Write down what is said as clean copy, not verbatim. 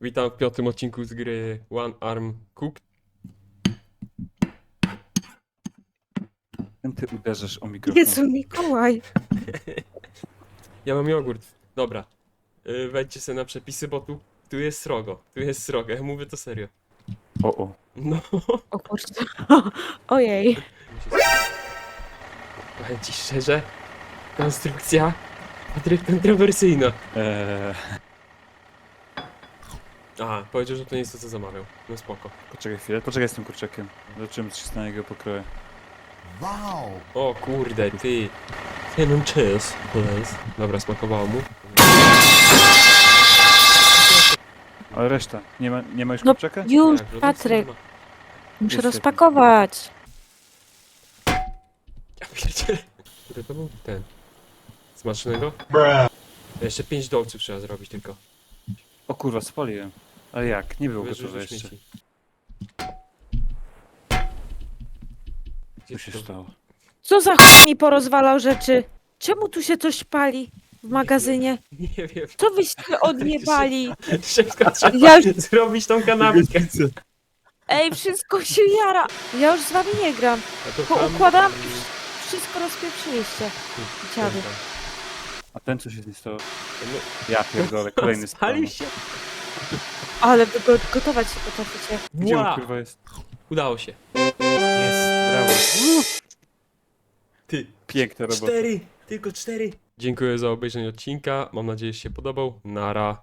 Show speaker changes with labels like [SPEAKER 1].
[SPEAKER 1] Witam w piątym odcinku z gry One Arm Cook.
[SPEAKER 2] Ty uderzasz o mikrofon.
[SPEAKER 3] Jezu, Mikołaj.
[SPEAKER 1] Ja mam jogurt. Dobra. Wejdźcie sobie na przepisy, bo tu jest srogo. Tu jest srogo. Ja mówię to serio.
[SPEAKER 2] O.
[SPEAKER 1] No.
[SPEAKER 3] O kurczę. Ojej.
[SPEAKER 1] Powiem ci szczerze. Konstrukcja. Patryk kontrowersyjna. Aha, powiedział, że to nie jest to, co zamawiał. No spoko.
[SPEAKER 2] Poczekaj chwilę, poczekaj z tym kurczakiem. Zobaczymy, co się stanie jego pokroję.
[SPEAKER 4] Wow!
[SPEAKER 1] O kurde, ty. Cinnamon cheese, please. Dobra, smakowało mu.
[SPEAKER 2] Ale reszta, nie ma już
[SPEAKER 3] No
[SPEAKER 2] kurczaka?
[SPEAKER 3] już,
[SPEAKER 1] Tak, że
[SPEAKER 3] Patryk.
[SPEAKER 1] to nie ma.
[SPEAKER 3] Muszę
[SPEAKER 2] Niestety.
[SPEAKER 3] rozpakować.
[SPEAKER 1] Ja pierdzielę. Który to był? Ten. Smacznego? Jeszcze 5 dolców trzeba zrobić tylko.
[SPEAKER 2] O kurwa, spaliłem. Ale jak? Nie było
[SPEAKER 1] Wyrzuć
[SPEAKER 2] gotowe
[SPEAKER 1] do
[SPEAKER 2] jeszcze.
[SPEAKER 1] śmieci.
[SPEAKER 2] Co się stało?
[SPEAKER 3] Co za mi porozwalał rzeczy? Czemu tu się coś pali w magazynie?
[SPEAKER 1] Nie wiem.
[SPEAKER 3] Co wyście odniebali?
[SPEAKER 1] Szybko trzeba
[SPEAKER 3] Ja już-
[SPEAKER 1] zrobić tą kanapkę.
[SPEAKER 3] Ej, wszystko się jara. Ja już z wami nie gram.
[SPEAKER 1] A to
[SPEAKER 3] Poukładam i wszystko rozpieprzyliście. Dziady.
[SPEAKER 2] A ten co się z nim stało?
[SPEAKER 1] No,
[SPEAKER 2] Ja pierdolę, kolejny
[SPEAKER 1] spalił
[SPEAKER 2] spalił.
[SPEAKER 1] się.
[SPEAKER 3] Ale wy gotować się potraficie.
[SPEAKER 2] Gdzie on
[SPEAKER 1] Wow.
[SPEAKER 2] kurwa jest?
[SPEAKER 1] Udało się.
[SPEAKER 2] Jest, brawo.
[SPEAKER 1] Ty.
[SPEAKER 2] Piękna robota.
[SPEAKER 1] 4. Tylko 4. Dziękuję za obejrzenie odcinka. Mam nadzieję, że się podobał. Nara.